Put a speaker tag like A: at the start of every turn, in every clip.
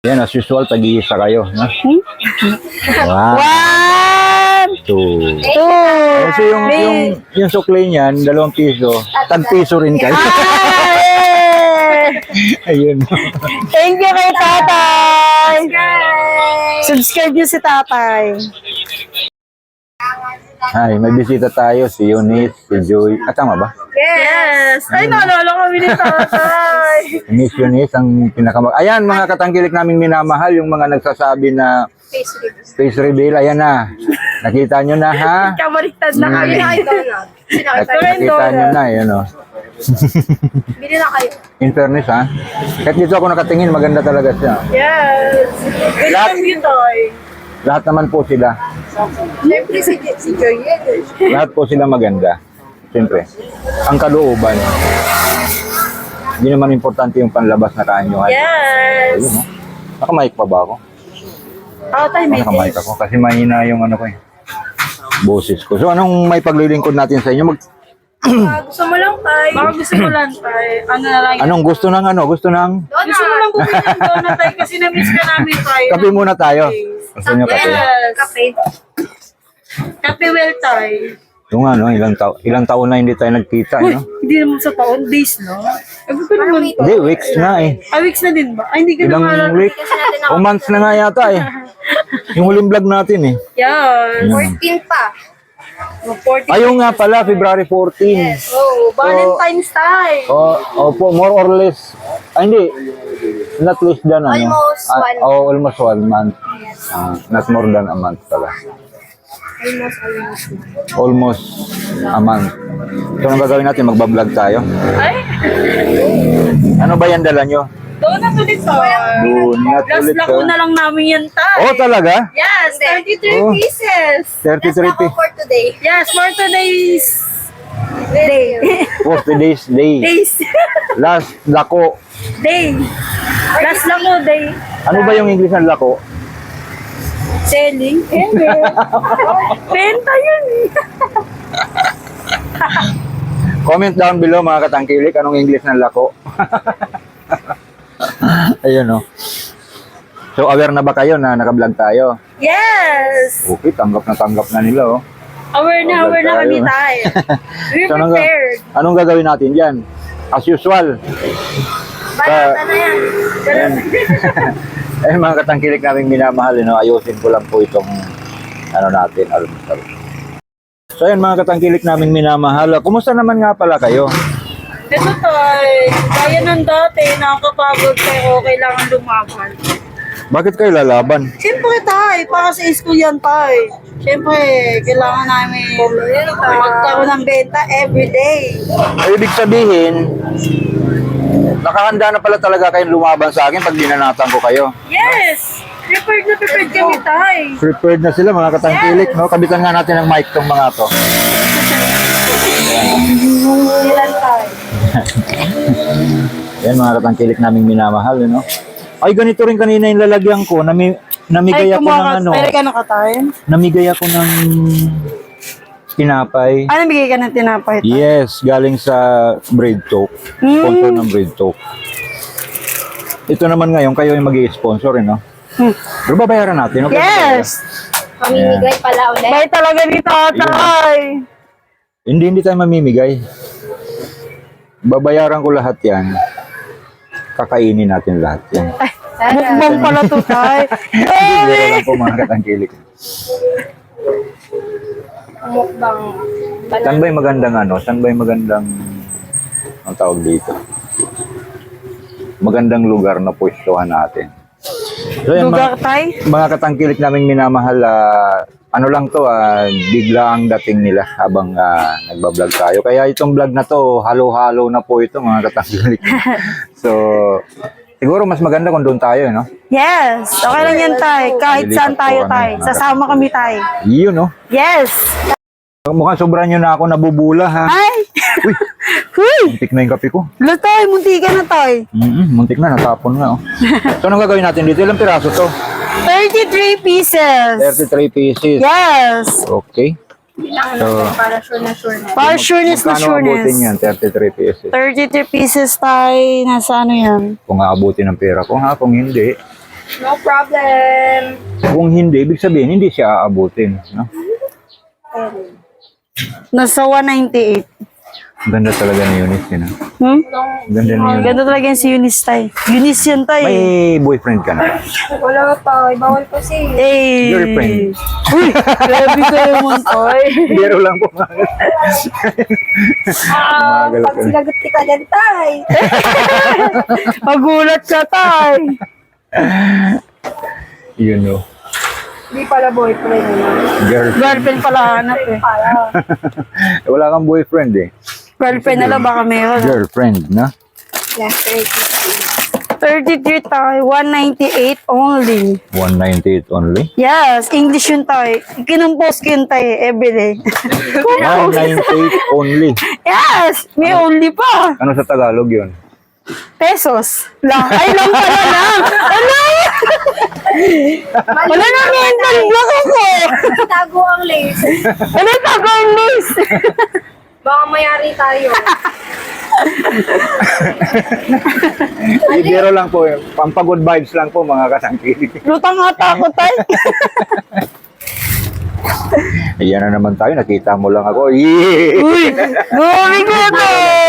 A: Yan, as usual, tag-iisa kayo. No? Wow.
B: 1,
A: 2.
B: 2.
A: Kasi yung sukli niyan, 2 piso, tag-piso rin kayo. Ayun.
B: Thank you kay tatay. Subscribe niyo si tatay.
A: Ay, may bisita tayo, si Eunice, si Joy. Ah, tama ba?
B: Yes. Ay, naalala kami ni tatay.
A: Miss Eunice, ang Ayan, mga katangkilik naming minamahal, yung mga nagsasabi na face reveal. Ayan na. Nakita nyo na, ha?
B: Kabaliktad na kami.
A: Nakita nyo na, yun o.
B: Bili na kayo.
A: In fairness, ha? Kahit dito ako nakatingin, maganda talaga siya.
B: Yes. Welcome you, Toy.
A: Lahat naman po sila.
B: Siyempre si Joy yan.
A: Lahat po sila maganda. Siyempre. Ang kalooban. Hindi naman importante yung panlabas na kaanyuhan.
B: Yes.
A: Ayun, no? Nakamike pa ba ako?
B: Oo, tayo may
A: Nakamike ako kasi mahina yung ano ko eh. Boses ko. So anong may paglilingkod natin sa inyo?
B: Gusto mo lang, Tay. Baka gusto mo lang, Tay. Ano na lang.
A: Anong gusto ng ano? Gusto ng?
B: Gusto mo lang bumili ng donut, Tay, kasi na-miss ka namin, Tay.
A: Kape muna tayo. Gusto nyo kape?
B: Yes. Kape. Kape well, Tay.
A: Yung ano, ilang taon na hindi tayo nagkita,
B: Uy,
A: no?
B: hindi naman sa taon, days, no? Ewan ko naman.
A: Hindi, weeks na eh.
B: Weeks na din ba? Ay, hindi ka
A: Ilang
B: naman.
A: week? O months na nga yata eh. Yung huling vlog natin eh.
B: Yes.
A: Yun.
C: 14 pa.
B: 40.
A: Ayun nga pala, February 14.
B: Oh, Valentine's time.
A: Opo, more or less. Ay, hindi. Not less than ano.
C: Almost one.
A: Almost 1 month. Not more than a month pala. Almost a month. So, anong gagawin natin? Magbablog tayo.
B: Ay,
A: Ano ba yan dala nyo?
B: donut ulit, Tay.
A: Donut
B: Last
A: ulit,
B: lako
A: oh.
B: na lang namin yan, Tay.
A: Oh, talaga?
B: Yes, 33
A: Oh.
B: pieces.
A: 33
C: Ako for today.
B: Yes, for today's day.
A: 40 days day.
B: Days.
A: Last lako.
B: Day. Last lako, day.
A: Ano ba yung English ng lako?
B: Selling. Benta yun.
A: Comment down below mga katangkilik, anong English ng lako? Ayun no. So aware na ba kayo na naka-vlog tayo?
B: Yes.
A: Okay, tanggap na nila oh.
B: Aware na kami, Tay. We're
A: So,
B: prepared.
A: anong gagawin natin diyan? As usual.
B: Balata na yan.
A: Ayan. Eh mga katangkilik naming minamahal, no? Ayusin ko lang po itong ano natin, almusal. So ayan mga katangkilik naming minamahal. Kumusta naman nga pala kayo?
B: Ito, Tay. Kaya ng dati, nakakapagod pero kailangan lumaban.
A: Bakit kayo lalaban?
B: Siyempre, Tay. Para sa school yan, Tay. Siyempre, kailangan namin magkaroon ng benta everyday.
A: Ibig sabihin, nakahanda na pala talaga kayong lumaban sa akin pag dinanatan ko kayo.
B: Yes! Prepared na prepared kami, Tay.
A: Prepared na sila mga katangkilik, no? Kabitan nga natin ng mic tong mga to.
B: Ilan, Tay?
A: Yan mga katangkilik naming minamahal, no? Ay, ganito rin kanina yung lalagyan ko. Namigay ako ng ano.
B: Ay, ka na ka, Tay?
A: Namigay ako ng tinapay.
B: Ano, bigay ka ng tinapay, Tay?
A: Yes, galing sa bread talk. Sponsor ng bread talk. Ito naman ngayon, kayo yung mag-i-sponsor, no? Pero babayaran natin, okay?
B: Yes!
C: Pamimigay pala ulit.
B: Bay talaga ni Tatay.
A: Hindi tayo mamimigay. Babayaran ko lahat yan. Kakainin natin lahat yan.
B: Mukbang pala to, Tay.
A: Hindi lang po mga katangkilik.
C: Mukbang.
A: Saan ba yung magandang ano? Saan ba yung magandang ang tawag dito? Magandang lugar na pwestuhan natin. So, yan,
B: Lugar, Tay?
A: mga katangkilik naming minamahal, ano lang to, bigla ang dating nila habang nagbablog tayo. Kaya itong vlog na to, halo-halo na po ito mga katangkilik. So, siguro mas maganda kung doon tayo, no?
B: Yes! Okay lang yan, Tay. Kahit saan tayo, Tay. Sasama kami, Tay.
A: Yun, no?
B: Yes!
A: Mukhang sobra nyo na ako nabubula, ha?
B: Ay!
A: Uy,
B: Huy!
A: muntik na yung kape ko.
B: Lo, Tay. Munti ka na, Tay.
A: Muntik na, natapon na, oh. So, anong gagawin natin dito? Ilang piraso to?
B: 33 pieces.
A: 33 pieces.
B: Yes!
A: Okay. So,
C: Para sure na sure na.
B: Para sureness na
A: magkano abutin yan?
B: sureness.
A: 33 pieces.
B: 33 pieces, Tay. Nasa ano yan?
A: Kung aabutin ng pera ko, ha? Kung hindi,
C: No problem.
A: Kung hindi, ibig sabihin, hindi siya aabutin. No?
B: Nasa 198.
A: Ganda talaga ni Eunice, yun. Ganda ni Eunice.
B: Ganda talaga yan si Eunice tay. Eunice yan tay.
A: May boyfriend ka na?
C: Wala pa. Bawal kasi.
B: Eh.
A: Girlfriend.
B: Uy, grabe ka naman tay.
A: Biro lang po. Magal
C: Pag
A: ka.
C: sinagot kita dyan, tay.
B: Magulat ka tay.
A: Yun o.
C: Hindi pala boyfriend naman.
A: Girlfriend.
B: Girlfriend pala hanap eh.
C: Para.
A: Wala kang boyfriend eh.
B: Girlfriend na lang baka meron.
A: Girlfriend, na?
C: Yeah,
B: 33 tay, 198 only.
A: 198 only?
B: Yes, English yun tay. Kinumpos ko yun tay everyday.
A: 198 only.
B: Yes, may only pa.
A: Ano sa Tagalog yun?
B: Pesos. Lang. Ay, lang pala lang. Ano? Wala na mental block ako.
C: Tago ang lace.
B: Ano tago ang list?
C: Baka mayari tayo.
A: Hindi, biro lang po. Pampagod vibes lang po mga kasangkilig.
B: Lutang ata ako tay.
A: Ayan na naman tayo. Nakita mo lang ako. Yee!
B: Uy, gumi ko ito.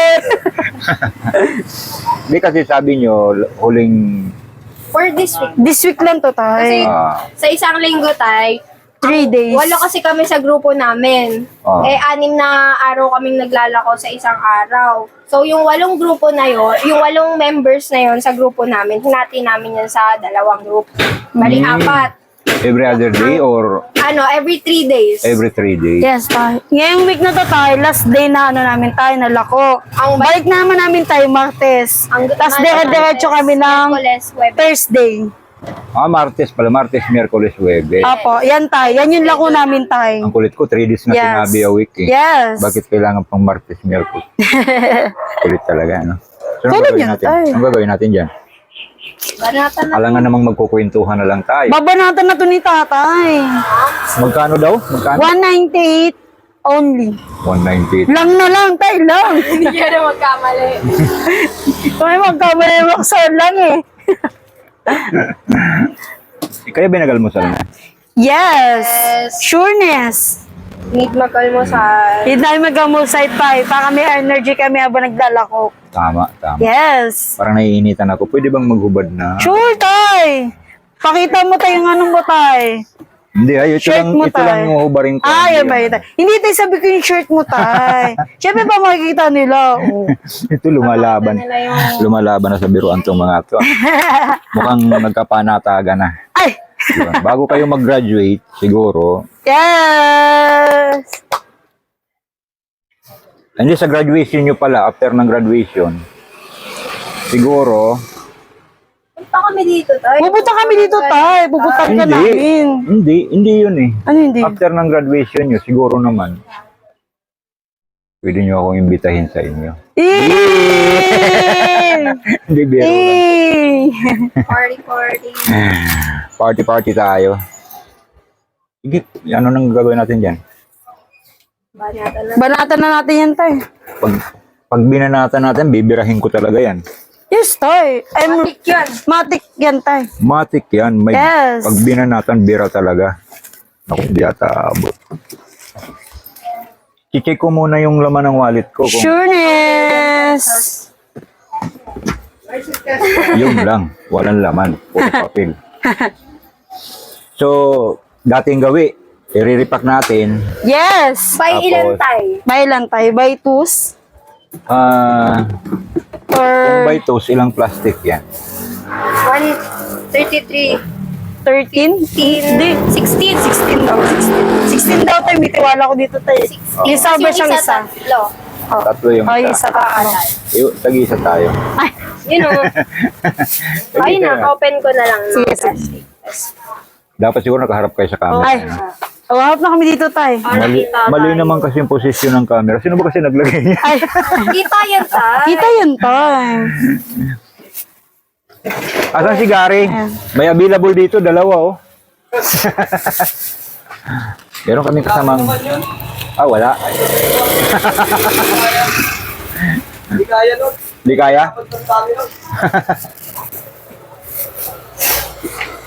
A: Hindi kasi sabi nyo, huling
C: For this week.
B: This week lang to tay.
C: Sa isang linggo, tay,
B: 3 days.
C: walo kasi kami sa grupo namin.
A: Ah.
C: 6 na araw kaming naglalako sa isang araw. So, yung 8 grupo na yon, yung 8 members na yon sa grupo namin, hinati namin yan sa 2 group. Bali, 4.
A: every other day or
C: Every 3 days.
A: every 3 days?
B: Yes, tay. Ngayong week na to tay, last day na namin tayo, nalako.
C: Ang
B: Balik naman namin tayo Martes. Tapos dire-diretso kami ng
C: Miyerkules, Webes.
B: Thursday.
A: Martes pala. Martes, Miyerkules, Huwebes.
B: Apo, yan tayo. Yan yung lako namin tayo.
A: Ang kulit ko, 3 days na
B: Yes.
A: sinabi a week eh.
B: Yes.
A: Bakit kailangan pang Martes, Miyerkules? Kulit talaga, no? So, anong
B: Tulad
A: gagawin
B: yan,
A: natin?
B: tay.
A: Anong gagawin natin dyan?
C: Banatan na.
A: Alangan namang magkukwentuhan na lang tayo.
B: Babanatan na to ni tatay.
A: Magkano daw? Magkano?
B: 198 only.
A: 198.
B: Lang na lang, tay, lang.
C: Hindi ka na magkamali.
B: May magkamali maksan lang eh.
A: Kaya binagalmusal na.
B: Yes.
C: Yes.
B: Sureness.
C: Need magkalmusal.
B: Hindi namin mag-amusay tayo para may energy kami habang naglalako.
A: Tama, tama.
B: Yes.
A: Parang naiinitan ako. Pwede bang maghubad na?
B: Sure, tay. Pakita mo tayo yung anong mo, tay.
A: Hindi, ay, ito
B: Shirt
A: lang,
B: mo,
A: ito lang
B: tay.
A: yung hubarin ko.
B: Ah, yan ba
A: Hindi,
B: yun, tay? Hindi, tay, sabi ko yung shirt mo, tay. Siyempre pa makikita nila. Oh.
A: Ito lumalaban.
C: Nila yung...
A: Lumalaban na sa biruan tong mga to. Mukhang nagkapanataga na.
B: Ay!
A: Diba? Bago kayo mag-graduate, siguro,
B: Yes!
A: hindi sa graduation nyo pala, after ng graduation, siguro,
C: Punta kami dito, tayo.
B: Pupunta kami dito, tay. Pupunta ka namin.
A: hindi yun eh.
B: Ano hindi?
A: After ng graduation nyo, siguro naman, pwede nyo akong imbitahin sa inyo. Hindi, biro lang.
C: Party.
A: Party tayo. Sige, ano nang gagawin natin dyan?
C: Banatan na.
B: Banatan na natin yan, tay.
A: Pag binanatan natin, bibirahin ko talaga yan.
B: Yes, tay.
C: Matik yun.
B: Matik yan, tay.
A: Matik yan. May,
B: Yes.
A: Pag binanatan, bira talaga. Ako, hindi ata abot. I-check ko muna yung laman ng wallet ko. Kung
B: Sureness!
A: yun lang. Walang laman. Puro papel. So, dating gawi. I-repack natin.
B: Yes!
C: By
A: Tapos-
C: ilan tayo?
B: By lang, tay. By twos?
A: Kung
B: Or
A: by toast, ilang plastic yan?
C: 133.
B: 13? Hindi.
C: 16.
B: 16 daw. 16 daw, tay. May tiwala ko dito, tay. Yung sabi siyang isa.
C: Tatlo.
A: Tatlo yung
B: Ay, isa pa.
A: Tag-isa tayo.
B: Ay,
C: Yun o. Ayun na, open ko na lang.
B: Sige,
C: Plastic.
A: Dapat siguro nakaharap kayo sa camera.
B: ay.
A: ano?
B: Harap na kami dito, tay.
A: Mali naman kasi yung posisyon ng camera. Sino ba kasi naglagay niya?
B: Ay,
C: Kita yan, tay.
B: kita yun, tay.
A: Asan si Gary? May available dito, dalawa oh. Meron kaming kasamang... wala.
D: Hindi kaya nun.
A: Di kaya?
D: Dapat ng kami nun.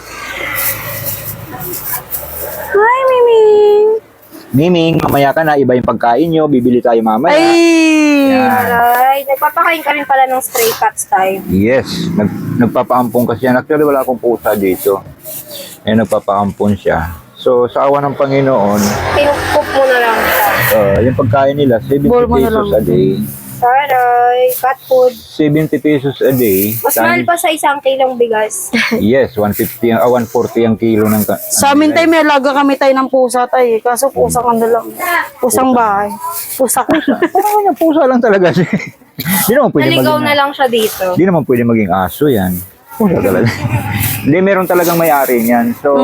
A: Miming, mamaya ka na, iba yung pagkain nyo, bibili tayo mamaya.
B: Ay!
A: Yan.
C: Aray, nagpapakain ka rin pala ng stray cats tayo.
A: Yes, nagpapaampon kasi yan. Actually, wala akong pusa dito. Eh, nagpapaampon siya. So, sa awa ng Panginoon,
C: Pinukup mo na lang siya.
A: yung pagkain nila, 70
B: Ball mo na
A: pesos
B: lang.
A: a day.
C: Aray, cat food.
A: 70 pesos a day.
C: Mas mahal pa sa isang kilong bigas.
A: Yes, 150, 140 ang kilo ng...
B: Sa amin tayo, may alaga kami tayo ng pusa tayo. Kaso pusa ka na lang. Pusang bahay. Pusa ka.
A: Parang yung pusa lang talaga siya. Di naman pwede
C: Naligaw
A: maging...
C: na lang siya dito.
A: Di naman pwede maging aso yan. Pusa talaga. Hindi, meron talagang may-ari niyan. So,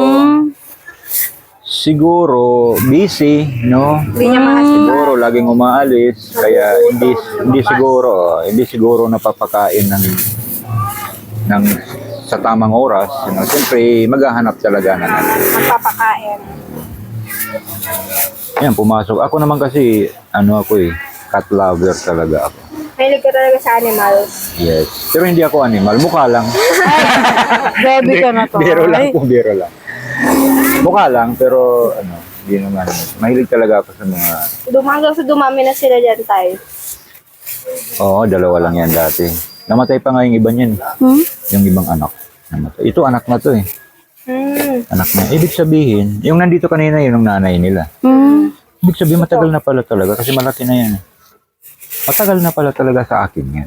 A: siguro, busy, no?
C: Hindi niya makasya.
A: Siguro, laging umaalis. Kaya, hindi siguro napapakain ng sa tamang oras. You know? Siyempre, maghahanap talaga ng
C: Magpapakain.
A: Ayan, pumasok. Ako naman kasi, cat lover talaga ako.
C: Mahilig ka talaga sa animals.
A: Yes. Pero hindi ako animal. Mukha lang.
B: Grabe ka na to.
A: Biro lang
B: Ay.
A: po, biro lang. Mukha lang, pero hindi naman. Mahilig talaga ako sa mga...
C: Hanggang sa dumami na sila dyan tayo.
A: Oo, dalawa lang yan dati. Namatay pa nga yung iba niyan. Yung ibang anak. Namatay. Ito, anak na to eh. Anak na. Ibig sabihin, yung nandito kanina, yun ang nanay nila. Ibig sabihin, matagal na pala talaga kasi malaki na yan. Matagal na pala talaga sa akin yan.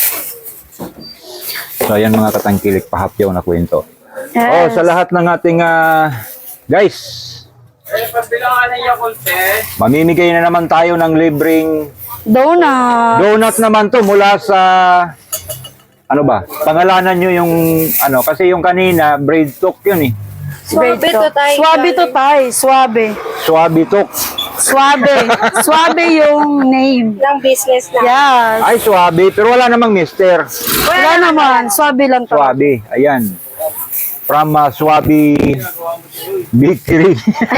A: So, ayan mga katangkilik, pahapyaw na kwento.
B: Yes.
A: Oh, sa lahat ng ating guys,
D: Pagbilangan ng Yakult eh.
A: mamimigay na naman tayo ng libreng
B: Donut.
A: donut naman to mula sa pangalanan nyo yung kasi yung kanina braid talk yun eh.
C: Swabe to tayo.
B: Swabe to tayo. Swabe.
A: Swabe talk.
B: Swabe. Swabe yung name.
C: Ng business na.
B: Yes.
A: Ay, swabe. Pero wala namang mister.
B: Wala naman. Swabe lang to.
A: Swabe. Ayan. From Swabe Bakery.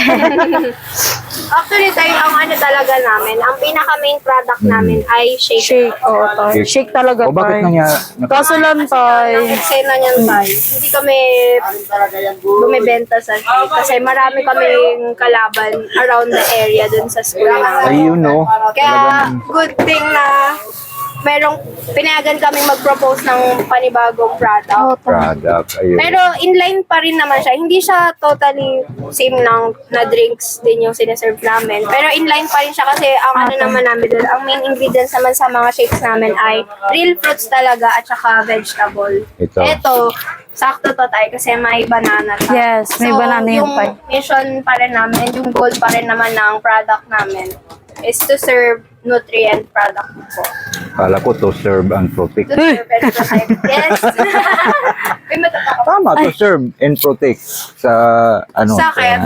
C: Actually tayo, ang talaga namin, ang pinaka main product namin ay shake.
B: Shake. Oo, tayo. Shake talaga
A: O bakit
B: tayo.
A: nangyari?
B: Kaso lang
C: Ang
B: tayo.
C: eksena niyan tayo. Hindi kami bumibenta sa shake kasi marami kaming kalaban around the area dun sa school namin.
A: Ayun, no?
C: Kaya good thing na merong pinayagan kaming mag-propose ng panibagong product.
A: Product. Ayun.
C: Pero inline pa rin naman siya. Hindi siya totally same lang na drinks din yung sineserve namin. Pero inline pa rin siya kasi ang ano naman namin doon, ang main ingredients naman sa mga shakes namin ay real fruits talaga at saka vegetable. Ito, sakto to tayo kasi may banana tayo.
B: Yes, may banana yung pie.
C: Mission pa rin namin, yung goal pa rin naman ng product namin is to serve nutrient product po.
A: Kala ko to serve and protect.
C: To serve and protect. Yes. May matatakot.
A: Tama, to serve and protect sa
C: Sa akin,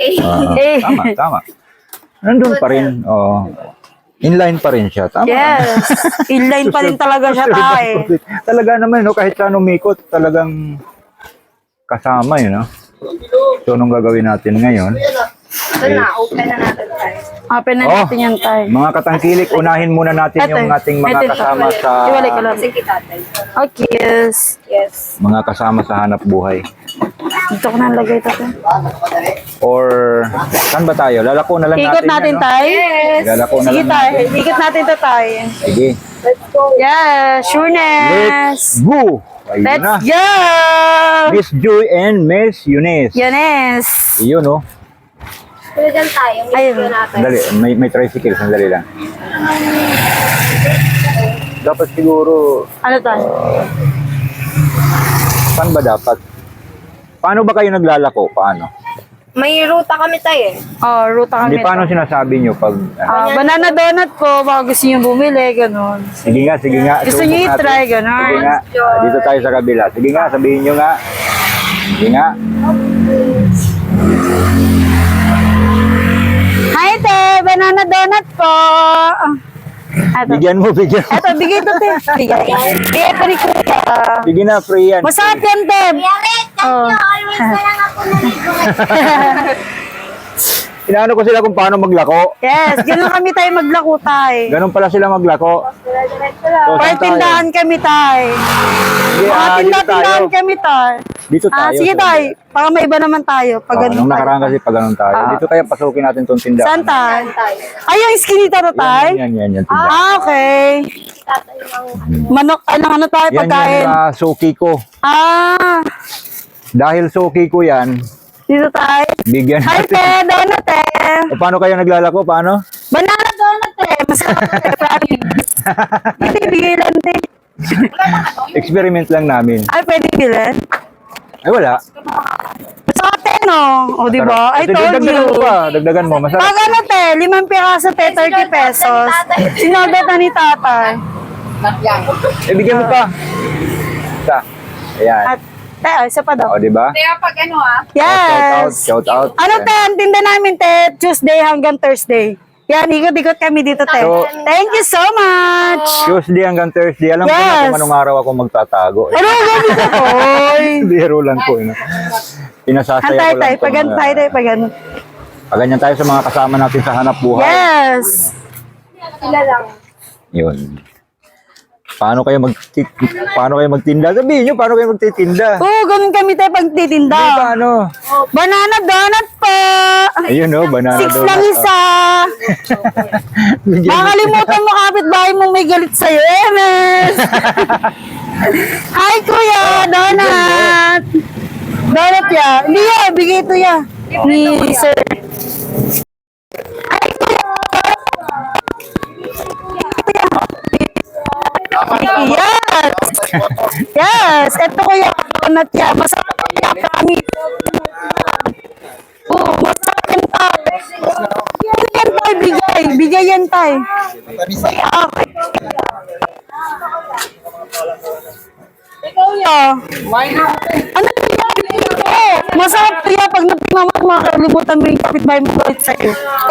A: tama. Nandun pa rin. Inline pa rin siya. Tama.
B: Yes. Inline pa rin talaga siya tayo.
A: Talaga naman, no? Kahit saan umikot, talagang kasama yun, no? So, anong gagawin natin ngayon?
C: ito na, open na natin tayo.
B: Open na natin yan tayo.
A: Mga katangkilik, unahin muna natin
B: Eto,
A: yung ating mga
B: eto.
A: kasama sa
B: Iwalay ko lang.
C: Kasi kita tayo.
B: Okay, yes.
C: Yes.
A: mga kasama sa hanap buhay.
B: Dito ko na lagay ito.
A: Or, saan ba tayo? Lalako na lang
B: Ikot natin
A: yan, no?
B: tayo.
C: Yes.
A: Lalako na
B: Sige
A: lang
B: tayo.
A: natin.
B: Ikot natin ito tayo.
A: Sige.
C: Let's go.
B: Yeah, sureness.
A: Let's go! Ayun na.
B: Let's go!
A: Miss Joy and Miss Eunice.
B: Yunes.
A: Iyon, no?
C: Pero dyan tayo.
B: Ayun.
C: Ayun. Natin.
A: Sandali, may tricycle. Sandali lang. Dapat siguro,
B: Ano tayo?
A: saan ba dapat? Paano ba kayo naglalako? Paano?
C: May ruta kami tayo eh.
B: Oh, ruta
A: Hindi,
B: kami.
A: paano
B: ito.
A: sinasabi nyo pag...
B: Banana donut po, baka gusto nyo bumili, ganun.
A: Sige nga, sige nga.
B: Gusto
A: Subok
B: nyo
A: natin.
B: i-try, ganun.
A: Sige nga. Dito tayo sa kabila. Sige nga, sabihin nyo nga. Sige nga.
B: Hi, te! Banana donut po! Eto.
A: Bigyan mo, bigyan mo.
B: Eto, bigay ito, te. Bigay. Bigay ito ni Kuya.
A: Sige na, free yan.
B: Masarap yan, te. Oh.
C: Always na lang ako naligo.
A: Inaano ko sila kung paano maglako.
B: Yes, ganun kami tayo maglako tayo.
A: Ganun pala sila maglako.
C: Diretso lang.
A: So,
B: Or
A: saan tayo?
B: tindahan kami tayo.
A: Sige,
B: Mga
A: dito tayo.
B: tindahan kami tayo.
A: Dito tayo.
B: Sige tay, para may iba naman tayo. Pag ganun
A: Nung
B: tayo.
A: nakaraan kasi pag ganun tayo. Dito kaya pasukin natin tong tindahan.
B: Saan tay? Ay, yung skinita to tay?
A: Yan, tindahan.
B: Okay.
C: Tatay ng
B: Manok, ano tayo
A: Yan
B: pagkain?
A: yung suki ko. Dahil suki ko yan,
B: Dito tayo.
A: bigyan
B: Hi
A: natin.
B: te, donut te.
A: O, paano kayo naglalako? Paano?
B: Banana donut te. Masarap te, promise. Hindi, bigay lang te.
A: Experiment lang namin.
B: Ay, pwede bilhin?
A: Ay, wala.
B: Masarap te, no? O, di ba? I
A: Ito,
B: told
A: dagdagan
B: you.
A: mo pa. Dagdagan mo. Masarap.
B: Pag ano te, 5 piraso te, 30 pesos. Sinodot na ni tatay.
A: Bigyan mo pa. Isa. Ayan.
B: At, te, isa pa daw.
A: O, di ba?
C: Kaya pag ano
B: Yes.
A: Shout out.
B: Ano te, ang tinda namin te, Tuesday hanggang Thursday. Yan, ikot-ikot kami dito te.
A: So-
B: Thank you so much.
A: Tuesday hanggang Thursday. Alam ko na
B: Yes.
A: kung anong araw ako magtatago.
B: Ano gabi ka toy?
A: Biro lang po. Pinasasaya ko
B: Hantay
A: lang.
B: tayo, pag hantay tayo, pag ano.
A: Paganyan tayo sa mga kasama natin sa hanap buhay.
B: Yes.
C: sila lang.
A: Yun. Paano kayo magtinda? Sabihin nyo, paano kayo magtitinda?
B: Oo, ganun kami tayo pagtitinda.
A: Paano?
B: Banana donut po.
A: Ayun o, banana
B: 6 lang isa. Makalimutan mo kapitbahay mong may galit sa'yo, Emes. Hi, kuya. Donut. Donut ya. Hindi ya, bigay ito ya. Ni sir. Hi, kuya. Yes. Yes. Ito kuya. Donut ya. Masarap ya. Kami. Oh, masarap yan tayo. Yan tayo, bigay. Bigay yan tayo. Okay. Ikaw ya. Ano kaya? Masarap kaya pag napimamag makalimutan mo yung kapitbahay mo ulit sa'yo.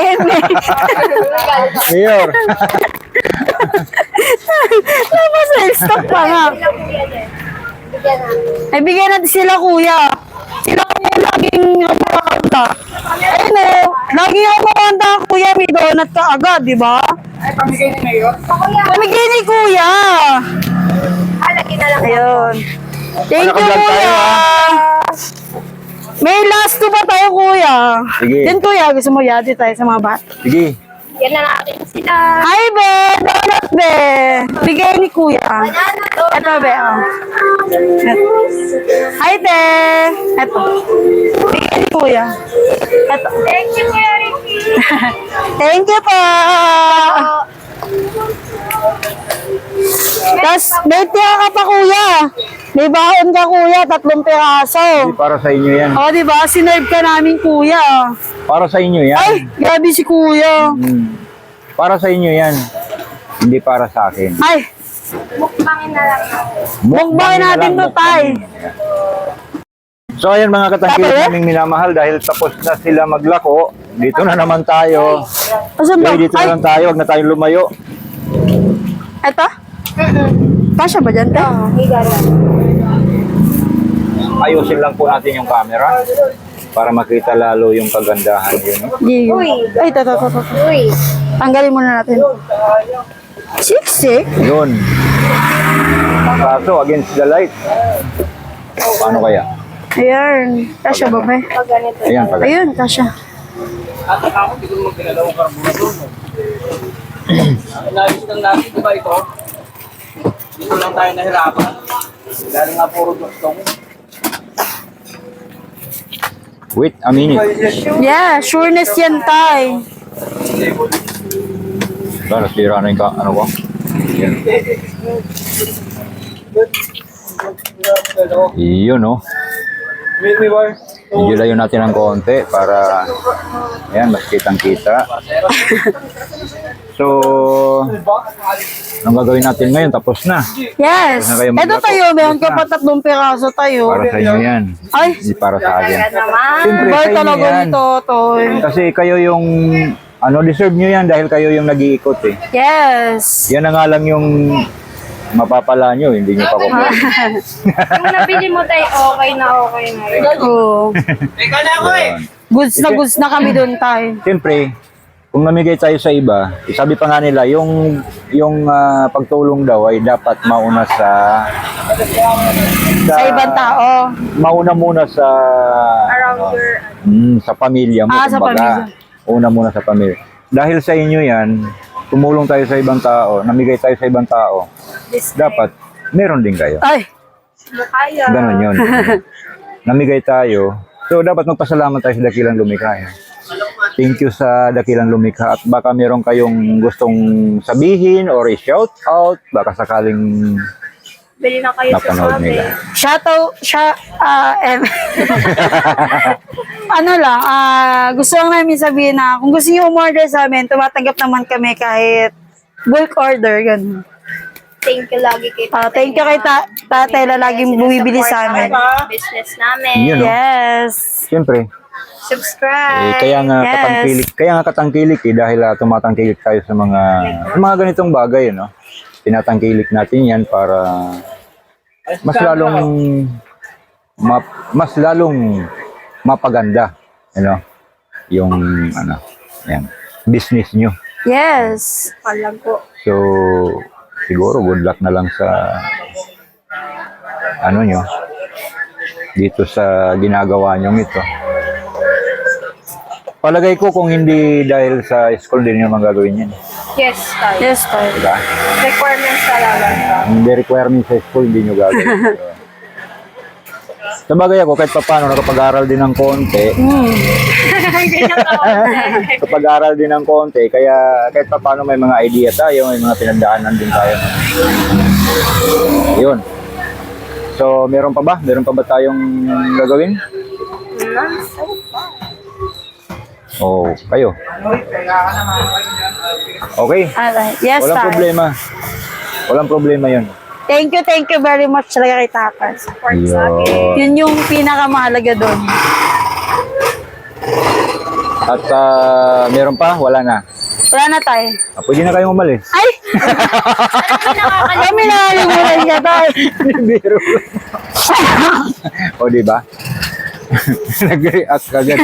A: Mayor.
B: Tapos na-stop pa nga. Ay, bigyan natin sila kuya. Sila kuya laging kumanta. Ayun o, laging ako kumanta kuya, may donut ka agad, di ba?
D: Pamigay ni Mayor.
B: Pamigay ni kuya.
C: Halagi na lang.
B: Ayun. Thank you
A: Naka-vlog tayo,
B: kuya. May last two pa tayo kuya.
A: Sige.
B: Then kuya, gusto mo yati tayo sa mga bata.
A: Sige.
C: Yan na natin sila.
B: Hi be, donut be. Bigay ni kuya. Ito be, oh. Hi te. Ito. Bigay ni kuya. Ito.
C: Thank you, Kuya Ricky.
B: Thank you po. Tapos, may tira ka pa kuya. May baon ka kuya, 3 piraso.
A: Hindi, para sa inyo yan.
B: O, di ba? Sinerve ka namin kuya.
A: Para sa inyo yan.
B: Ay, grabe si kuya.
A: Para sa inyo yan. Hindi para sa akin.
B: Ay,
C: Mukbangin na lang natin.
B: mukbangin
A: na
B: natin
A: lang,
B: to, tay.
A: So ayan mga katangkilik
B: Tapos?
A: naming minamahal, dahil tapos na sila maglako, dito na naman tayo.
B: Asan ba?
A: Okay, dito
B: Ay,
A: na lang tayo, huwag na tayong lumayo.
B: eto? Kasya ba dyan, te?
C: Oo, higa lang.
A: Ayusin lang po natin yung camera para makita lalo yung kagandahan yun.
C: Uy.
B: Ay, ito.
C: Uy.
B: Tanggalin muna natin. Siksik?
A: Yun. Kaso against the light. Paano kaya?
B: Ayan. Kasya ba ba?
C: Pag ganito.
A: Ayan, pag
B: Ayun, kasya.
D: At ako, hindi ko naman ginalawang karburador. Inayos lang natin, di ba ito? Dito lang tayo nahirapan. Dahil nga puro gustong.
A: Wait a minute.
B: Yeah, sureness yan, tay.
A: Para sira na yung ano ko. Yan. Iyon, no?
D: Meet me, boy.
A: Medyo layo natin ng konti para ayan, mas kitang-kita. So, anong gagawin natin ngayon? Tapos na.
B: Yes.
A: Huwag na kayo
B: Ito
A: maglako.
B: tayo, meron ka
A: Yes
B: pa
A: na.
B: 3 piraso tayo.
A: Para sa inyo yan.
B: Ay.
A: Hindi para sa akin.
C: Naman.
A: Siyempre, sa
B: Boy,
A: inyo
B: talaga
A: yan.
B: nito, toy.
A: Kasi kayo yung, deserve nyo yan dahil kayo yung nag-iikot eh.
B: Yes.
A: Yan na nga lang yung mapapala nyo, hindi nyo pa kukuha.
C: Yung nabili mo tayo, okay na yun.
B: Oh.
D: Teka na ako eh!
B: Goods na kami doon, tay.
A: Siyempre, kung namigay tayo sa iba, sabi pa nga nila, yung pagtulong daw ay dapat mauna sa
B: Sa ibang tao.
A: mauna muna sa
C: Around your...
A: sa pamilya mo.
B: Sa
A: kumbaga.
B: pamilya.
A: Una muna sa pamilya. Dahil sa inyo yan, tumulong tayo sa ibang tao, namigay tayo sa ibang tao, dapat meron din kayo.
B: Ay,
C: Kaya.
A: Ganon yun. Namigay tayo. So, dapat magpasalamat tayo sa Dakilang Lumikha. Thank you sa Dakilang Lumikha. At baka meron kayong gustong sabihin or i-shout out. Baka sakaling
C: Bili na kayo sa
A: napanood
C: sabi.
A: nila.
B: ano lang, gusto lang namin sabihin na kung gusto niyo umorder sa amin, tumatanggap naman kami kahit bulk order, ganun.
C: Thank you lagi kay
B: Thank you kay tatay na laging bumibili sa amin.
C: Business namin.
A: Yun, no?
B: Yes.
A: Siyempre,
C: Subscribe.
A: kaya nga
B: Yes.
A: katangkilik dahil tumatangkilik tayo sa mga ganitong bagay, no? Tinatangkilik natin 'yan para mas lalong mapaganda, yung yan, business nyo.
B: Yes.
C: Alam ko.
A: So, siguro good luck na lang sa nyo dito sa ginagawa nyo ito. Palagay ko kung hindi dahil sa school din yung magagawin yan.
C: Yes, tayo.
B: Yes, tayo.
A: Diba?
C: Requirements talaga.
A: Hindi requirement sa school, hindi nyo gagawin. Sa bagay ako, kahit paano, nakapag-aral din ng konti. Kapag-aral din ng konti, kaya kahit paano may mga idea tayo, may mga pinagdaanan din tayo. Yun. So, meron pa ba? Meron pa ba tayong gagawin? Oh, kayo. Okay.
B: Alright. Yes,
A: Walang
B: tayo.
A: problema. Walang problema yun.
B: Thank you very much talaga kay tatay.
C: Support sa akin.
A: Yun.
B: Yun yung pinakamahalaga doon.
A: At meron pa? Wala na.
B: Wala na tayo.
A: Pwede na kayong umalis.
B: Ay! Kami nakalimutan ka tayo.
A: Biro. O, di ba? Nag-react agad.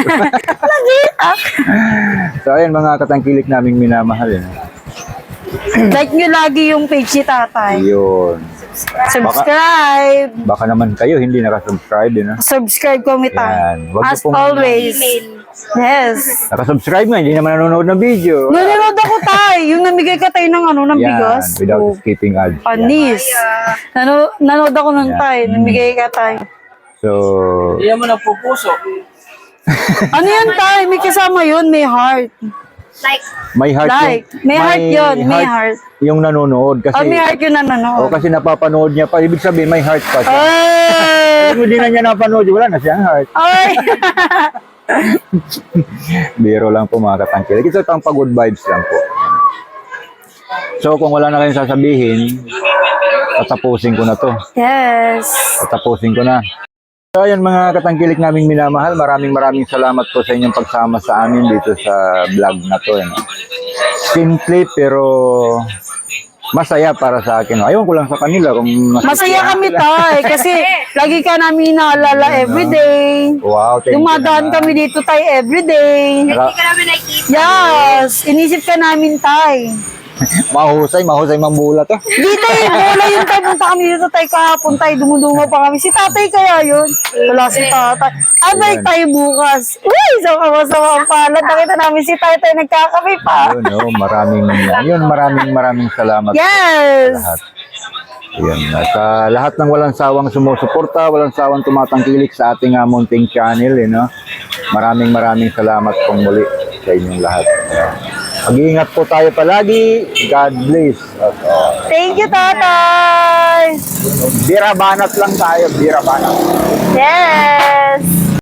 A: So, ayun, mga katangkilik naming minamahal.
B: Like nyo lagi yung page ni tatay.
A: Yun.
B: Subscribe.
A: Baka naman kayo hindi nakasubscribe.
B: Subscribe kami tayo.
A: Yan. Wag
B: As
A: niyo pong-
B: always. Yes.
A: Nakasubscribe nga, hindi naman nanonood ng video.
B: Nanonood ako tayo. Yung namigay ka tayo ng bigas.
A: Yan, without
B: Oh,
A: skipping ads. Yan.
B: panis. Nanood ako ng
A: Yan.
B: tayo. Namigay ka tayo.
A: So,
D: Hindi mo nagpupuso.
B: Ano yan tayo? May kasama yun. May heart.
C: Like,
A: may heart
B: Like, may heart yun, may heart.
A: Yung nanonood. Kasi,
B: May heart yun na nanonood.
A: kasi napapanood niya pa. Ibig sabihin, may heart pa siya.
B: Ay!
A: Kung hindi na niya napanood, wala na siyang heart.
B: Ay!
A: Biro lang po mga katangkilik. Ito pang pag-good vibes lang po. So, kung wala na kayong sasabihin, tatapusin ko na to.
B: Yes.
A: Tatapusin ko na. So, ayun mga katangkilik naming minamahal, maraming salamat po sa inyong pagsama sa amin dito sa vlog na to. Simple pero masaya para sa akin. Ayaw ko lang sa kanila kung
B: Masaya kami tayo kasi lagi ka namin naalala everyday.
A: Wow, thank you
B: Dumadaan
A: naman.
B: kami dito tayo everyday.
C: hindi ka namin nakikita.
B: Yes, inisip ka namin tayo.
A: mahusay mambulat eh.
B: Dito bola yun tayo, punta kami dito tayo kahapon tayo, dumudungaw pa kami. Si tatay kaya yun? Wala si tatay. Abay tayo bukas. Uy, sama-sama ang palad. Nakita namin si tatay nagkakape pa.
A: Maraming salamat
B: Yes!
A: lahat. Yun. At lahat ng walang sawang sumusuporta, walang sawang tumatangkilik sa ating munting channel, Maraming salamat pong muli sa inyong lahat. Mag-iingat po tayo palagi. God bless us all.
B: Thank you, tatay!
A: Bira banat lang tayo, bira banat.
B: Yes!